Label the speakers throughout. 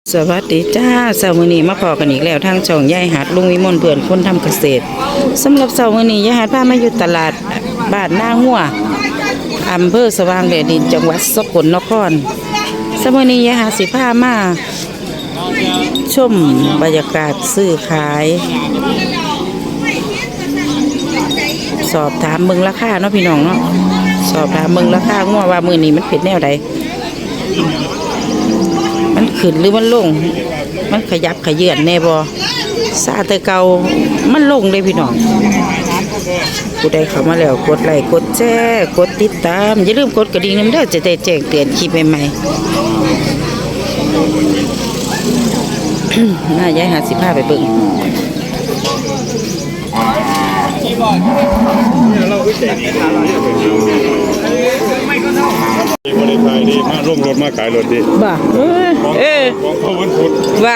Speaker 1: สวัสดีจ้าเสาร์มื้อนี้มาพอกันอีกแล้วทางช่องยายหัดลุงวิมลเพื่อนคนทำเกษตรสำหรับเสาร์มื้อนี้ยายหัดพามาอยู่ตลาดบ้านหน้าหัวอำเภอสว่างแดนดินจังหวัดสกลนครเสาร์มื้อนี้ยายหัดสิพามาชมบรรยากาศซื้อขายสอบถามเบิ่งราคาเนาะพี่น้องเนาะสอบถามเบิ่งราคางัวว่ามื้อนี้มันเป็นแนวใดมันขึ้นหรือมันลงมันขยับขยื่นแน่บ่ซาแต่เก่ามันลงเลยพี่น้องผู้ใดเข้ามาแล้วกดไลค์กดแชร์กดติดตามอย่าลืมกดกระดิ่งนำเด้อจะได้แจ้งเตือนคลิปใหม่ๆ น่ายาย55ไปเบิ่ง
Speaker 2: บริขายดีมาร่วมรถมาขายรถดี
Speaker 1: บ่
Speaker 2: ของเขาวันพุธ
Speaker 1: ว่า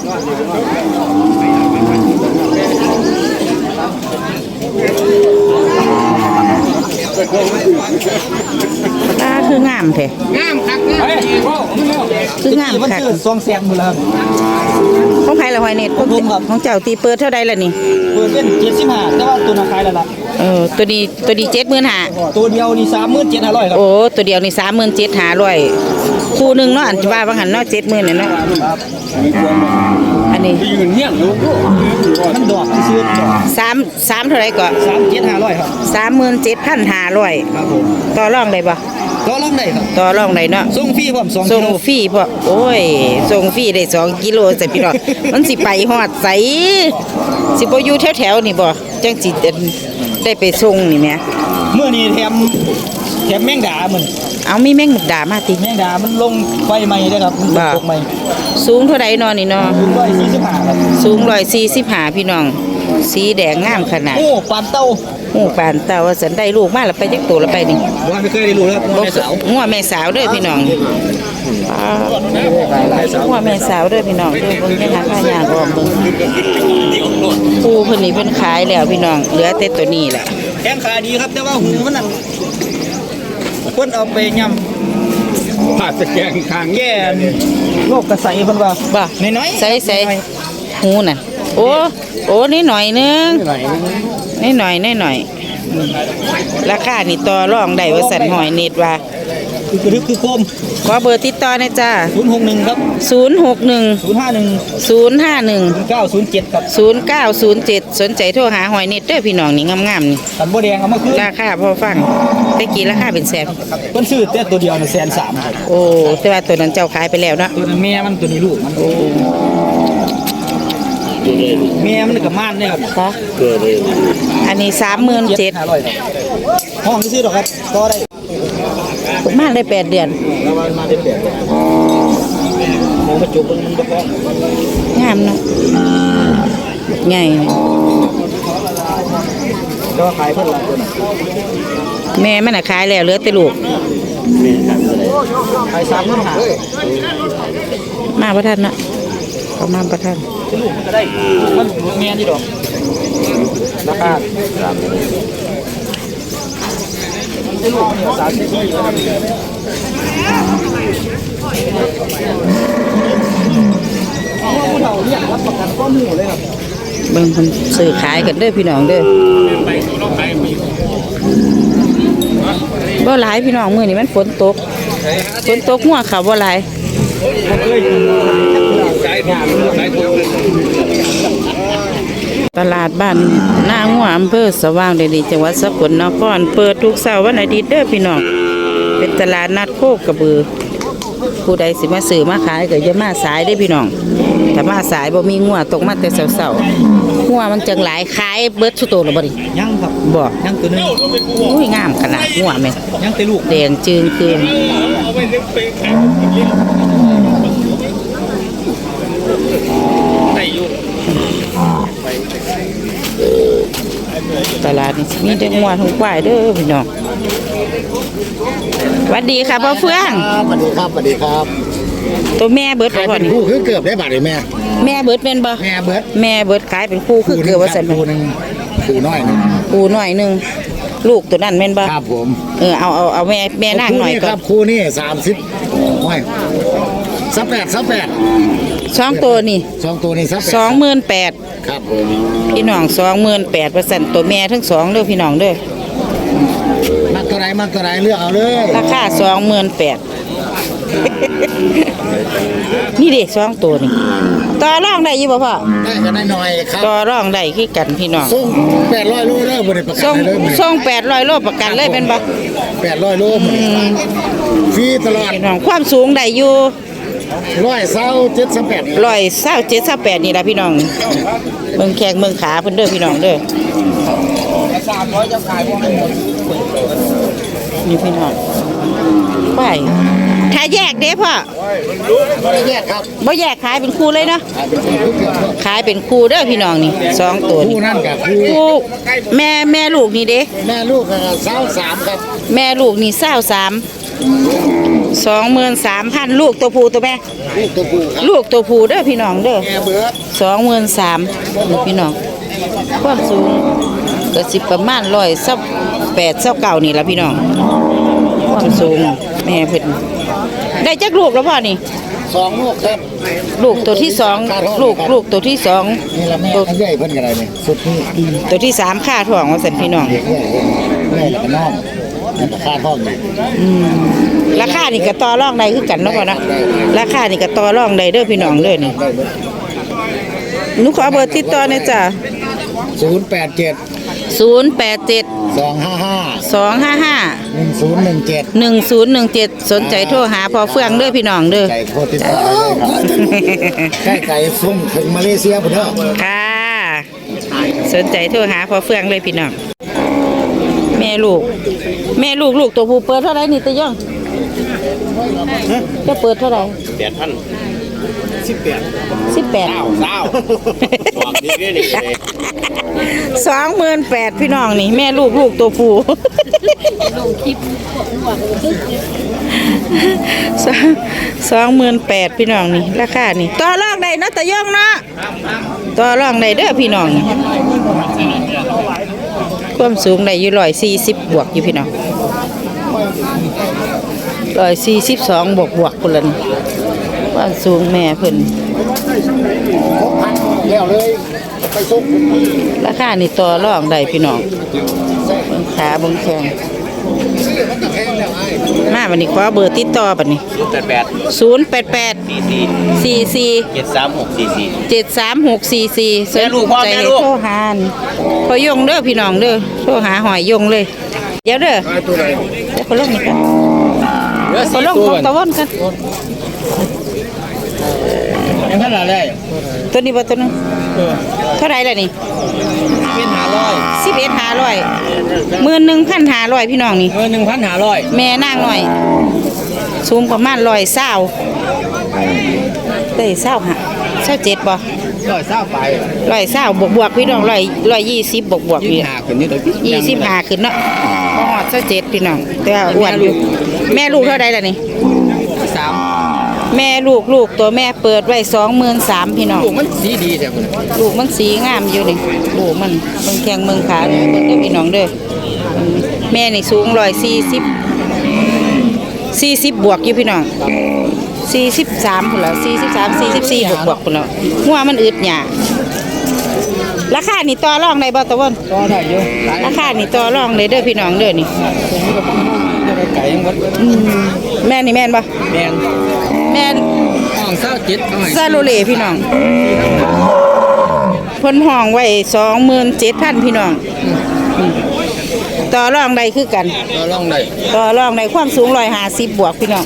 Speaker 1: ตาคืองามแท้งามคักคืองามคัก
Speaker 3: ซองแซงหมดแล้วครับ
Speaker 1: ของใครละหอยเน็ตของเจ้าตีเปิดเท่าใดล่ะนี่
Speaker 3: เปิดเป็น75แต่ว่าตัวนาคายแล้วล่ะ
Speaker 1: ตัวนี้75,000
Speaker 3: ตัวเดียวนี่37,500ครับ
Speaker 1: โอ้ตัวเดียวนี่37,500คู่นึงเนาะอันว่าบางหันเนาะ70,000เนี่ยเนาะอันนี้
Speaker 2: ยืนเงี้ยลูก
Speaker 3: มันดอกมันซื้อดอก
Speaker 1: 3เท่าไหร่ก็
Speaker 3: 37,500ครับ
Speaker 1: 37,500
Speaker 3: ครับผม
Speaker 1: ต่อรองได้บ่
Speaker 3: ก็ลองได้ครับ
Speaker 1: ต่อรองได้เนาะ
Speaker 3: ส่งฟรีพร้อม2
Speaker 1: ส่ง
Speaker 3: กิโล
Speaker 1: ฟรีพอโอ้ยส่งฟรีได้2กิโลใส่พี่น้องมันสิไปฮอดไสสิบ่อยู่แถวๆนี่บ่จังสิได้ไปส่งนี่แหม
Speaker 3: เมื่อนี้แถมแมงดามัน
Speaker 1: เอามีแมงมุกดามาติ
Speaker 3: แมงดามันลงไฟใหม่ได้ครับมันตกใหม่
Speaker 1: สูงเท่าใดนอนี่เนาะ
Speaker 3: 145ครับ
Speaker 1: สูง145พี่น้องสีแดงงามขนาด
Speaker 3: โอ้ปานเต้า
Speaker 1: ปานเต้าว่าสันได้ลูกมาแล้วไปจักโตแล้วไปนี่
Speaker 3: ว่าไม่เคยได้รู้แล้วแม่สาว
Speaker 1: งัวแม่สาวเด้อพี่น้องงัวแม่สาวเด้อพี่น้องเด้อเบิ่งยังหาผ้ายางออมเบิ่งปูเพิ่นนี่เพิ่นขายแล้วพี่น้องเหลือแต่ตัวนี้แหละ
Speaker 3: แข้งขาดีครับแต่ว่าหูมันนั่นคนเอาไปยำ
Speaker 2: ผ่าสแกงคาง
Speaker 3: แย่โรคกระใสเพิ่นว่า
Speaker 1: บ่
Speaker 3: น้อย
Speaker 1: ใส่หูน่ะโอ้นี่หน่อยนึงนี่หน่อยราคานี่ต่อรองได้ว่าสันหอยเน็ตว่า
Speaker 3: คือคม
Speaker 1: ขอเบอร์ติดต่อหน่อยจ้า
Speaker 3: 061ครับ
Speaker 1: 061
Speaker 3: 907ครับ
Speaker 1: 0907สนใจโทรหาหอยเน็ตเด้อพี่น้องนี่งามๆนี่
Speaker 3: ตันบ่แดงเอามาคือ
Speaker 1: ราคาพอฟังแต่กี่ราคาเป็นแสน
Speaker 3: เพิ่นซื้อแต่ตัวเดียวน่ะ130,000ครับ
Speaker 1: โอ้แต่ว่าตัวนั้นเจ้าขายไปแล้วเนาะ
Speaker 3: ตัวนั้นแม่มันตัวนี้ลูกมันโอ้แม่มันก็ม่านเนี่ยครับ
Speaker 1: ค่ะอันนี้37,500
Speaker 3: ห้องซื้อดอกครับก็ได้
Speaker 1: ม่านได้8 เดือน
Speaker 3: มาได้8 เดือนมองกระจกมันบ่พอง
Speaker 1: ามเนาะใหญ่
Speaker 3: ก็ขายเพิ่นละตัวน่ะ
Speaker 1: แม่มันน่ะขายแล้วเหลือแต่ลูก
Speaker 3: แม่ขาย30,000
Speaker 1: มาบ่ทันเนาะเขามาบ่ทัน
Speaker 3: ลูกมันก็ได้มันแม่นี่ดอกราคาลูกนี่30,000ผู้เฒ่าเนี่ยรับประกันข้อมูลเลยครับ
Speaker 1: เบิ่งเพิ่นซื้อขายกันเด้อพี่น้องเด้อบ่หลายพี่น้องมื้อนี้มันฝนตกหัวเขาบ่หลายตลาดบ้านหน้างัวอำเภอสว่างแดนดินจังหวัดสกลนครเปิดทุกเสาร์วันอาทิตย์เด้อพี่น้องเป็นตลาดนัดโคกระบือผู้ใดสิมาซื้อมาขายก็อย่ามาสายได้พี่น้องถ้ามาสายบ่มีงัวตกมาแต่เสาๆงัวมันจังหลายขายเบิดสุโตแล้วบ่ดิ
Speaker 3: ยังครับ
Speaker 1: บ่
Speaker 3: ยังตัวนึง
Speaker 1: อุ้ยงามขนาดงัวแม่
Speaker 3: ยังแต่ลูก
Speaker 1: แดงจึงคืนตลาดนี่มีแต่งัวทั้งควายเด้อพี่น้องสวัสดีค่ะพ่อเฟื่อง
Speaker 4: สวัสดีครับ
Speaker 1: ตัวแม่เบิดบ่พ่อนี่
Speaker 4: คู่คือเกือบได้บาทเลยแม่
Speaker 1: เบิดเป็นบ่
Speaker 4: แม่เบิด
Speaker 1: ขายเป็นคู่คือเกือบว่าซั่น
Speaker 4: คู่นึงคู่น้อยนึง
Speaker 1: ลูกตัวนั้นแม่นบ่
Speaker 4: ครับผม
Speaker 1: เอาแม่นางหน่อยก่อน
Speaker 4: ครับคู่นี้30ห้อย 38
Speaker 1: สองตัวนี่
Speaker 4: 2ตัวนี้38
Speaker 1: 28,000
Speaker 4: ครับผม
Speaker 1: พี่น้อง28,000ตัวแม่ทั้งสองเด้อพี่น้องเด้อ
Speaker 4: มักตัวไหนเลือกเอาเลย
Speaker 1: ราคา28,000 นี่เด็กสองตัวนี่ต่อรองได้อยู่บ่พ่อ
Speaker 4: ได้กันหน่อยครับ
Speaker 1: ต่อรองได้คือกันพี่น้อง
Speaker 4: ส่ง800โลเลยบ่ได้ประกัน
Speaker 1: ส่ง
Speaker 4: ให้เลยมื้อนี้
Speaker 1: ส่ง800 โลประกันเลยเป็นบ่
Speaker 4: 800โลมื้อนี้ฟรีตลอด
Speaker 1: พี่น้องความสูงได้อยู่
Speaker 4: 127
Speaker 1: 127-28นี่ล่ะพี่น้องเมืองแขกเมืองขาเพิ่นเด้อพี่น้องเด้อนี่พี่น้องไปถ้าแยกเด้พ่อ
Speaker 4: บ่ได้แยกครับ
Speaker 1: บ่แยกขายเป็นคู่เลยเนาะ
Speaker 4: เป็นคู่เกือบ
Speaker 1: ขายเป็นคู่เด้อพี่น้องนี่สองตัวนี่
Speaker 4: คู่นั่นกับคู่
Speaker 1: คู่แม่ลูกนี่เด้
Speaker 4: แม่ลูกก็23ครับ
Speaker 1: แม่ลูกนี่23,000ลูกตัวผู้ตัวแม่
Speaker 4: ลูกตัวผู้ครับ
Speaker 1: ลูกตัวผู้เด้อพี่น้องเด้อ
Speaker 4: แม่เบิด
Speaker 1: 23,000นี่พี่น้องความสูงก็สิประมาณ128-129นี่ล่ะพี่น้องความสูงแม่เพิ่นได้จักลูกแล้วพ่อนี่
Speaker 4: 2ลูกครับ
Speaker 1: ลูกตัวที่สองลูกตัวที่สอง
Speaker 4: นี่ละแม่
Speaker 1: ตัว
Speaker 4: อันใหญ่เพิ่นก็ได้นี่สุดนี่
Speaker 1: ตัวที่สามค่าท้องว่าซั่นพี่น้อง
Speaker 4: เด็กแม่แล้วก็น้องนั่นก็ค่าท้องนี่
Speaker 1: ราคานี่ก็ต่อรองได้คือกันเนาะพ่อเนาะราคานี่ก็ต่อรองได้เด้อพี่น้องเด้อนี่
Speaker 4: ได้เบิด
Speaker 1: หนูขอเบอร์ติดต่อหน่อยจ้ะ
Speaker 4: 087
Speaker 1: 087
Speaker 4: 255
Speaker 1: 255
Speaker 4: 1017
Speaker 1: 1017สนใจโทรหาพ่อเฟืองเด้อพี่น้องเด้อ
Speaker 4: ไก่โคตรติดต่อได้เลยครับใกล้ไก่ส่งถึงมาเลเซียพุ่นเด้อ
Speaker 1: ค่ะสนใจโทรหาพ่อเฟืองเลยพี่น้องแม่ลูกลูกตัวผู้เปิดเท่าไหร่นี่ตะย่องจะเปิดเท่าไหร่ 18,000 28,000พี่น้องนี่แม่ลูกตัวผู้28,000พี่น้องนี่ราคานี่ต่อรองได้เนาะตะย่องเนาะต่อรองได้เด้อพี่น้องนี่ความสูงได้อยู่140บวกอยู่พี่น้อง142บวกพุ่นละนี่ความสูงแม่เพิ่น
Speaker 4: แล้วเลยไปส่ง
Speaker 1: ราคานี่ต่อรองได้พี่น้องเบิ่งขาเบิ่งแข้งมาบัดนี้ขอเบอร์ติดต่อบัดนี้ 088 44 73644สนใจโทรหาพอยงเด้อพี่น้องเด้อโทรหาหอยยงเลยเดี๋ยวเด้อเดี๋ยวคนลงนี่กันคนลงของตะวันกัน
Speaker 3: ยังขนาดได้
Speaker 1: ตัวนี้บ่ตัวนึงเท่าไหร่ล่ะนี่
Speaker 3: เป็น
Speaker 1: 11,500 11,500พี่น้องนี่
Speaker 3: 1,500
Speaker 1: แม่นางหน่อยสูงประมาณ120ได้20ฮะ27บ่
Speaker 3: 120ไป
Speaker 1: 120บวกพี่น้อง120บวกอยู่
Speaker 3: 25ขึ้นนี่ตัวพี่
Speaker 1: 25ขึ้นเนาะบ่ฮอด27พี่น้องแต่ว่าอ้วนอยู่แม่ลูกเท่าใดล่ะนี่
Speaker 3: 3
Speaker 1: แม่ลูกตัวแม่เปิดไว้23,000พี่น้อง
Speaker 3: ลูกมันสีดีแท้พุ่น
Speaker 1: ลูกมันสีงามอยู่นี่ลูกมันเบิ่งแข้งเบิ่งขาเบิ่งเด้อพี่น้องเด้อแม่นี่สูง40บวกอยู่พี่น้อง43พุ่นละ44บวกพุ่นละหัวมันอึดหยาราคานี่ต่อรองได้บ่ตะวัน
Speaker 3: ก็ได้อยู่หลาย
Speaker 1: ราคานี่ต่อรองได้เด้อพี่น้องเด้อนี่
Speaker 3: ไก่ยังวัด
Speaker 1: แม่นี่แม่นบ่
Speaker 3: แมน
Speaker 1: แม่น
Speaker 3: ห้อง27
Speaker 1: ซาโลเลพี่น้องเพิ่นห้องไว้27,000พี่น้องต่อรองได้คือกัน
Speaker 3: ก็ลองได้
Speaker 1: ต่อรองได้ความสูง150บวกพี่น้อง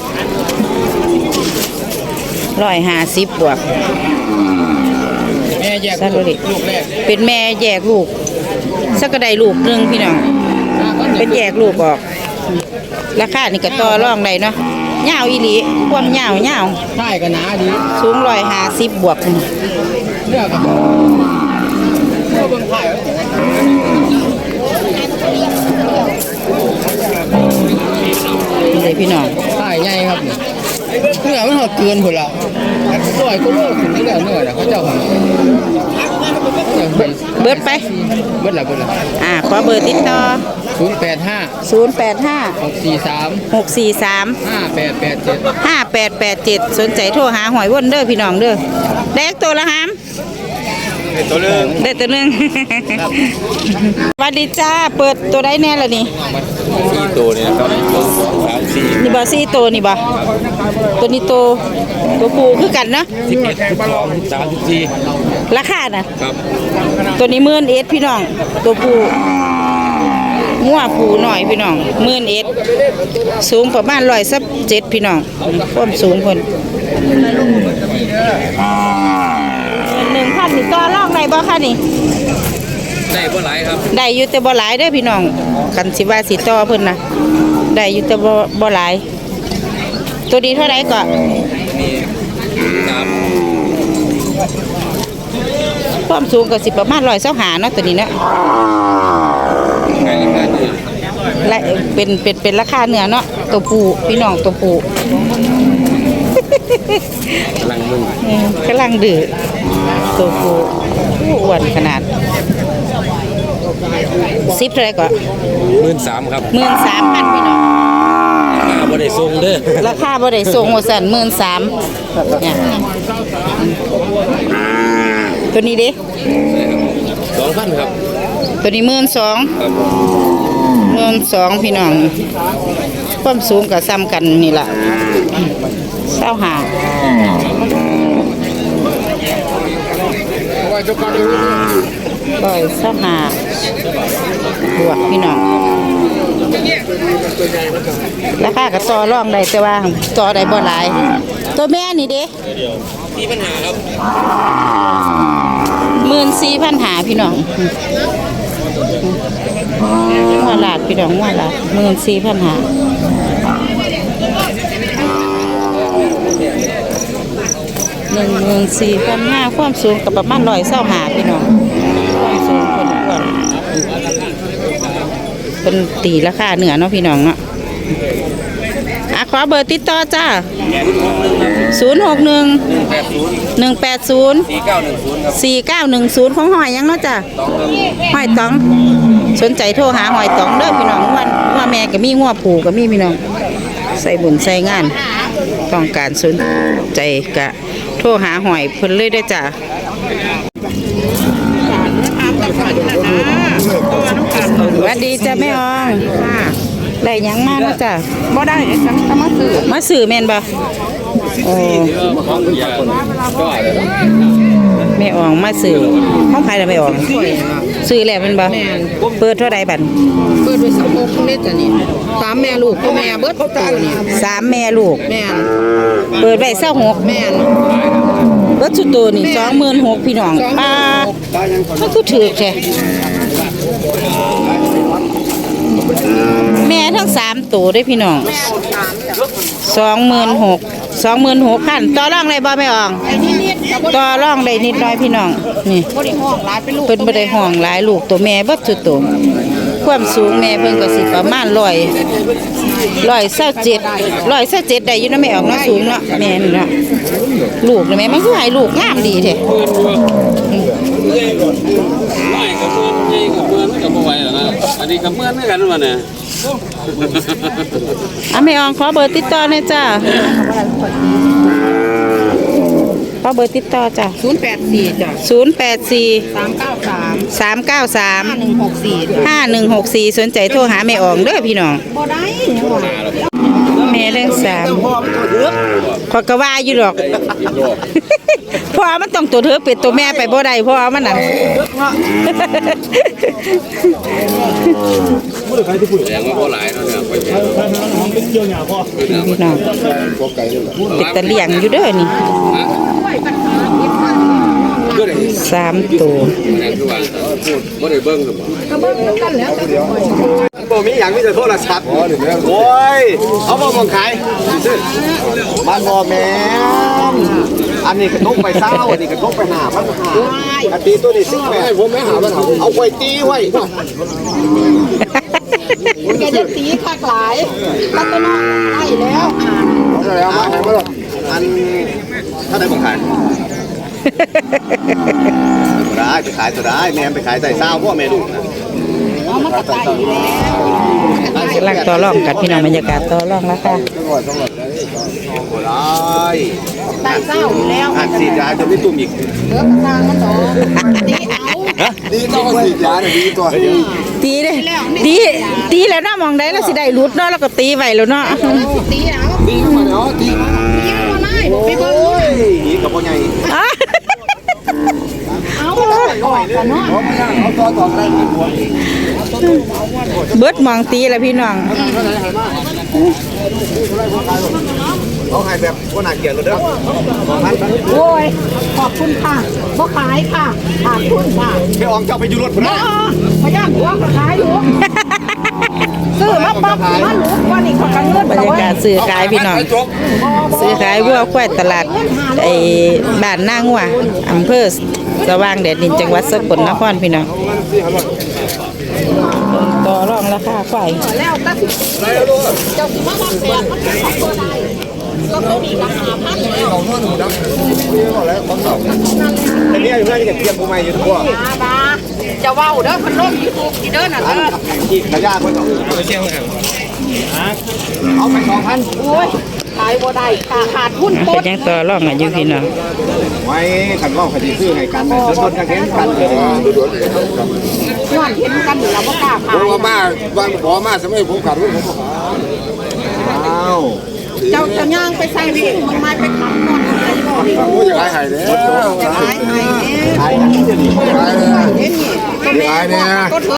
Speaker 1: 150บวก
Speaker 3: แม่แยก
Speaker 1: ซาโลเล
Speaker 3: ลูกแรก
Speaker 1: เป็นแม่แยกลูกสักกระไดลูกหนึงพี่น้องเป็นแยกลูกออกราคานี่ก็ต่อรองได้เนาะยาวอีหลีความยาว
Speaker 3: ใช่ก็หนาดี
Speaker 1: สูง150บวกพุ่น
Speaker 3: เลือกกับเบิ่งถ่าย
Speaker 1: นี่เลยพี่น้อง
Speaker 3: ถ่ายใหญ่ครับเนื้อมันหอดเกินพุ่นละหน่อยก็โลกถึงแล้วเนื้อเขาเจ้า
Speaker 1: เบิดไป
Speaker 3: เบิดละ
Speaker 1: ขอเบอร์ติดต่อ
Speaker 3: 085
Speaker 1: 085
Speaker 3: 643
Speaker 1: 643
Speaker 3: 5887
Speaker 1: 5887สนใจโทรหาหอยว่นเด้อพี่น้องเด้อได้ตัวละหาม
Speaker 2: ตัวเรื่อง
Speaker 1: ได้ตัวหนึง สวัสดีจ้าเปิดตัวได้แน่ละนี่
Speaker 2: 4ตัวเนี่ยครับ3 4
Speaker 1: นี่บ่4ตัวนี่บ่ตัวนี้ตัวผู้คือกันเนาะ
Speaker 2: 11 12 34
Speaker 1: ราคาน่ะ
Speaker 2: ครับ
Speaker 1: ตัวนี้11,000พี่น้องตัวผู้งัวผู้หน่อยพี่น้อง11,000สูงประมาณ107พี่น้องความสูงเพิ่น1,000นี่ต่อรองได้บ่คะนี่
Speaker 2: ได้บ่หลายครับ
Speaker 1: ได้อยู่แต่บ่หลายเด้อพี่น้องคันสิว่าสิต่อเพิ่นน่ะได้อยู่แต่บ่หลายตัวนี้เท่าไหร่ก็
Speaker 2: นี่ครับ
Speaker 1: ความสูงก็สิประมาณ125เนาะตัวนี้เนาะ
Speaker 2: ขายราคาเนื้อ
Speaker 1: และเป็นราคาเนื้อเนาะตัวผู้พี่น้องตัวผู้
Speaker 2: กำลังมึง
Speaker 1: กำลังดื้อตัวผู้อ้วนขนาด10เท่าไหร่ก็
Speaker 2: 13,000ครับ
Speaker 1: 13,000พี่น้อง
Speaker 2: บ่ได้ส่งเด้อ
Speaker 1: ราคาบ่ได้ส่งว่าซั่น13,000เนี่ยตัวนี้เด้
Speaker 2: 2,000ครับ
Speaker 1: ตัวนี้12,000
Speaker 2: ครับ
Speaker 1: 12,000พี่น้องความสูงก็ซ้ำกันนี่ล่ะบวกพี่น้องราคาก็ต่อรองได้แต่ว่าต่อได้บ่หลายตัวแม่นี่เด้
Speaker 2: มีปัญหาครับ
Speaker 1: 14,500พี่น้องหัวลาดพี่น้องหัวลาด14,500ความสูงกับประมาณ125พี่น้องความสูงคนอ้วนเป็นตีราคาเหนือเนาะพี่น้องเนาะขอเบอร์ติดต่อจ้า061 180 4910ของหอยยังเนาะจ้าหอยตองสนใจโทรหาหอยตองเด้อพี่น้องว่าแม่ก็มีงัวผูก็มีพี่น้องใส่บุญใส่งานต้องการสนใจกะโทรหาหอยเพิ่นเลยได้จ้าสวัสดีจ้าแม่อองได้หยังมาเนาะจ้าบ่ได้จังมาซื้อแม่นบ่โอ้แม่อองมาซื้อห้องไผล่ะแม่อองซื้อแล้วแม่นบ่เปิดเท่าใดบัด
Speaker 5: เปิดด้วย26เม็ดจ้ะนี่3แม่ลูกพ่อแม่เบิดตัวนี่
Speaker 1: 3แม่ลูก
Speaker 5: แม่น
Speaker 1: เปิดไว้26
Speaker 5: แม่น
Speaker 1: เบิดสุดโตนี่26,000พี่น้องมันคือถูกแท้แม่ทั้ง3ตัวได้พี่น้อง26,000ต่อรองได้บ่แม่อองต่อรองได้นิดหน่อยพี่น้องนี่
Speaker 5: บ่ได้ห้องหลายเป็นลูก
Speaker 1: เพิ่นบ่ได้ห้องหลายลูกตัวแม่เบิดสุดโตความสูงแม่เพิ่นก็สิประมาณ127ได้อยู่นะแม่ออกเนาะสูงเนาะแม่นี่เนาะลูกนะแม่มันคือให้ลูกงามดีแท้
Speaker 2: น้อยกับเพื่อนใหญ่กับเพื่อนก็บ่ไหวแล้วนะอันนี้กับเพื่อนคือกันว่าเนี่ย
Speaker 1: แม่อองขอเบอร์ติดต่อหน่อยจ้าขอเบอร์ติดต่อจ้ะ
Speaker 5: 084จ้ะ
Speaker 1: 084
Speaker 5: 393
Speaker 1: 393
Speaker 5: 5164
Speaker 1: 5164สนใจโทรหาแม่อองเด้อพี่น้อง
Speaker 5: บ่ได้
Speaker 1: แม่เรื่อง3ขอยก็ว่าอยู่ดอกเพราะมันต้องตัวเธอเป็ดตัวแม่ไปบ่ได้เพราะมันนั่น
Speaker 2: แสดงว่าบ่หลายเนาะเนี่ยไปเจอ
Speaker 1: พี่น้องเป็ดตะเลียงอยู่เด้อนี่3ตัว
Speaker 2: นั่นคือว่าบ่ได้เบิ่งซะบ่
Speaker 3: บ่มีหยังมีแต่โทรศัพท์โอ้ยเอาบ่มองขายบ้านบ่แม่อันนี้กระทบไปเศร้าอันนี้กระทบไป5,500อันตีตัวนี้18ผมไม่หามันเอาไว้ตีไว้
Speaker 5: แกจะตีคักหลายรัตนาได้แล้ว
Speaker 3: แล้วมาให้มาอันถ้าได้ผมขายได้ไปขายตัวได้แม่ไปขายใส่เศร้าพวกแม่ดูนะ
Speaker 1: กำลังต่อรองกันพี่น้องบรรยากาศต่อรองแล้วค่ะ
Speaker 3: ได้
Speaker 5: ใส่เศร้าอยู่แล้ว
Speaker 3: อันสีดาจะไม่ตุ่มอีก
Speaker 5: เลิกกระซังมันต่อตีเอา
Speaker 4: ดีต้องสีดยาเนี่ยดีตัว
Speaker 1: ตีเลยตีแล้วเนาะมองได้แล้วสิได้รุดเนาะแล้วก็ตีไว้แล้วเนาะ
Speaker 5: ตีเอา
Speaker 4: ดีมาเนาะดี
Speaker 5: ตีเอาไล่ไปเบิ้ง
Speaker 3: นี่กับพ่อใหญ่
Speaker 5: เอาก่อนกันเนาะ
Speaker 4: เอาต่อได้
Speaker 1: เบิดมองตีแล้วพี่น้อง
Speaker 3: เขาขายแบบว่าน่าเกลียดเลยเด้อ2,000
Speaker 5: โอ้ยขอบคุณค่ะบ่ขายค่ะขาดทุนค่ะ
Speaker 3: ไปอองเจ้าไปอยู่รถพุ่นนะ
Speaker 5: พยายามหัวก็ขายอยู่ซื้อมาปั๊บมาหนูวันนี้เขากันเงิน
Speaker 1: บรรยากาศซื้อขายพี่น้องซื้อขายวัวควายตลาดไอ้บ้านนางวัวอำเภอสว่างแดดดินจังหวัดสกลนครพี่น้องต่อรองราคาควาย
Speaker 5: แล้วก็เจ้าสิมาบอกแสนมันเป็นของตัวใดก็เขามีราคาพันแล้ว
Speaker 3: แต่นี่อยู่เพื่อนที่เกียร์กูใหม่อยู่ทั่ว
Speaker 5: บ้าจะเว้าเด้อพันลมอยู่ถูกกี่เด้อน่ะเด้อ
Speaker 3: อีกระยะคนเอาไป2,000
Speaker 5: โอ้ยขายบ่ได้ขาดทุน
Speaker 1: ก็ยังต่อรองกันอยู่พี่น้อง
Speaker 3: ไว้ขันว่าคดีซื้อให้กันเลยโดนกันเห็นกันเลย
Speaker 5: ย้อนเห็นกันอยู่แล้วบ่กล้าขาย
Speaker 4: ผมมาบางบ่มาสมัยผมขาดรุ่นผมก็
Speaker 3: อ้าว
Speaker 5: เจ้าจะย่างไปใส่ดิมึงไม่ไปขับนอนอะไรบ่ดิ
Speaker 4: โอ้ยขายหายแล้ว
Speaker 5: จะขายให้
Speaker 3: ขายกันที่นี่
Speaker 4: ขายเลย
Speaker 5: เห็นนี่ก็แม่ก็